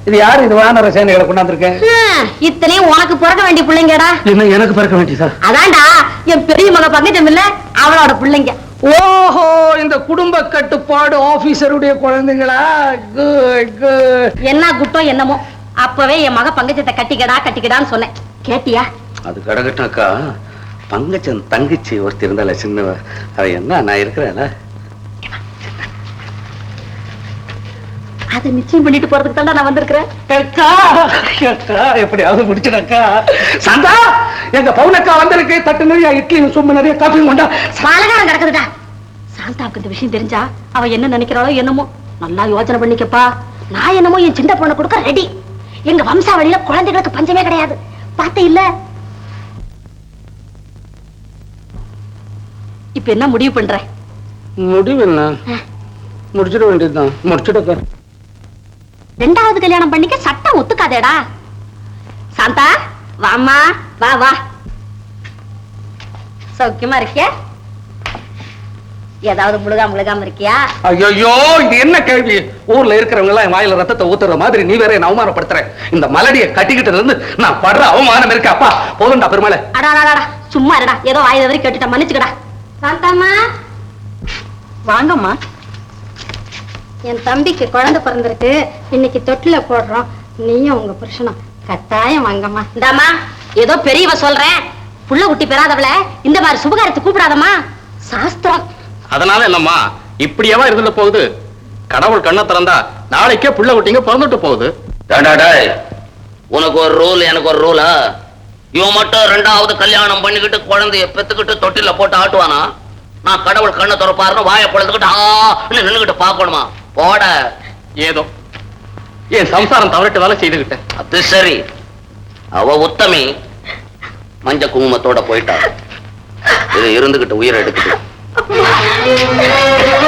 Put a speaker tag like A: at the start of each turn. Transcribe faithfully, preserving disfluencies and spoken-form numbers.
A: இது யாரு இது வான ரசாயனங்களை கொண்டாந்துருக்கேன்?
B: இத்தனையும் உனக்கு பிறக்க வேண்டிய பிள்ளைங்கடா.
A: என்ன எனக்கு பிறக்க வேண்டியதா?
B: அதான்டா என் பெரிய மக பங்கஜம் இல்ல அவளோட பிள்ளைங்க.
A: ஓஹோ, இந்த குடும்ப கட்டுப்பாடு ஆபீசருடைய குழந்தைங்களா?
B: என்ன குட்டம் என்னமோ அப்பவே என் மக பங்கஜத்தை கட்டிக்கடா கட்டிக்கடான்னு சொன்னேன், கேட்டியா?
A: அது கடகட்டாக்கா, பங்கஜன் தங்கச்சி ஒருத்தி இருந்தால சின்னவ, அவ என்ன நான் இருக்கிறேன்
B: அதை நிச்சயம் பண்ணிட்டு போறதுக்கு தான் நான் வந்திருக்கிறேன்.
A: எப்படியாவது முடிச்சிடக்கா. சாந்தா, எங்க பவுனக்கா வந்திருக்கு. தட்டு நிறைய இட்லியும் சொம்பு நிறைய காஃபியும் கொண்டா.
B: பலகாரம் கிடக்குதுடா. சாந்தாவுக்கு இந்த விஷயம் தெரிஞ்சா அவ என்ன நினைக்கிறாளோ என்னமோ. நல்லா யோசனை பண்ணிக்கப்பா. நான் என்னமோ என் சின்ன பொண்ணை கொடுக்க ரெடி. எங்க வம்சாவளியில குழந்தைகளுக்கு பஞ்சமே கிடையாது. பார்த்தே இல்ல. இப்ப என்ன முடிவு பண்ற?
A: முடிவு என்ன, முடிச்சிட வேண்டியதுதான். முடிச்சிடக்கா.
B: ரெண்டாவது கல்யாணம் பண்ணிக்க சட்டம் ஒத்துக்காதேடா. சாந்தா வாமா, வா வா. சௌக்கியமா இருக்கியா? ஏதாவது முழுகா முழுகாம இருக்கியா?
A: ஐயோ, இது என்ன கேள்வி? ஊர்ல இருக்கிறவங்க எல்லாம் வாயில ரத்தத்தை ஊத்துற மாதிரி நீ வேற என்ன அவமானப்படுத்துற? இந்த மலடியை கட்டிக்கிட்டு இருந்து நான் படுற அவமானம் இருக்கு. அப்பா போதும்டா பெருமாளே.
B: அடாடாடா சும்மா இருடா. ஏதோ வாயில வரை கேட்டுட்ட, மன்னிச்சுக்கடா. சாந்தாம்மா வாங்கம்மா. என் தம்பிக்கு குழந்தை பிறந்திருக்கு, இன்னைக்கு தொட்டில போடுறோம். நீயும் உங்க புருஷனும் கட்டாயம் வாங்கம்மா. இந்தாமா, ஏதோ பெரியவ சொல்றேன், புள்ள குட்டி பெறாதவள இந்த மாதிரி சுபகாரத்தை கூப்பிடாதம்மா, சாஸ்திரம்.
C: அதனால என்னம்மா இப்படியேவா இருந்துட்டு போகுது? கடவுள் கண்ணை திறந்தா நாளைக்கே புள்ள குட்டிங்க பிறந்துட்டு போகுது.
D: உனக்கு ஒரு ரூல், எனக்கு ஒரு ரூலா? இவன் மட்டும் ரெண்டாவது கல்யாணம் பண்ணிக்கிட்டு குழந்தைய பெத்துக்கிட்டு தொட்டில போட்டு ஆட்டுவானா? நான் கடவுள் கண்ணை திறப்பாருன்னு வாயை பொழுதுகிட்டு ஆ நின்னுகிட்டு பாக்கணுமா? போட.
C: ஏதோ என் சம்சாரம் தவறிட்டு வேலை செய்துகிட்டேன்.
D: அது சரி, அவ உத்தமி மஞ்ச குங்குமத்தோட போயிட்டா. இது இருந்துகிட்டு உயிரை எடுத்துட்டு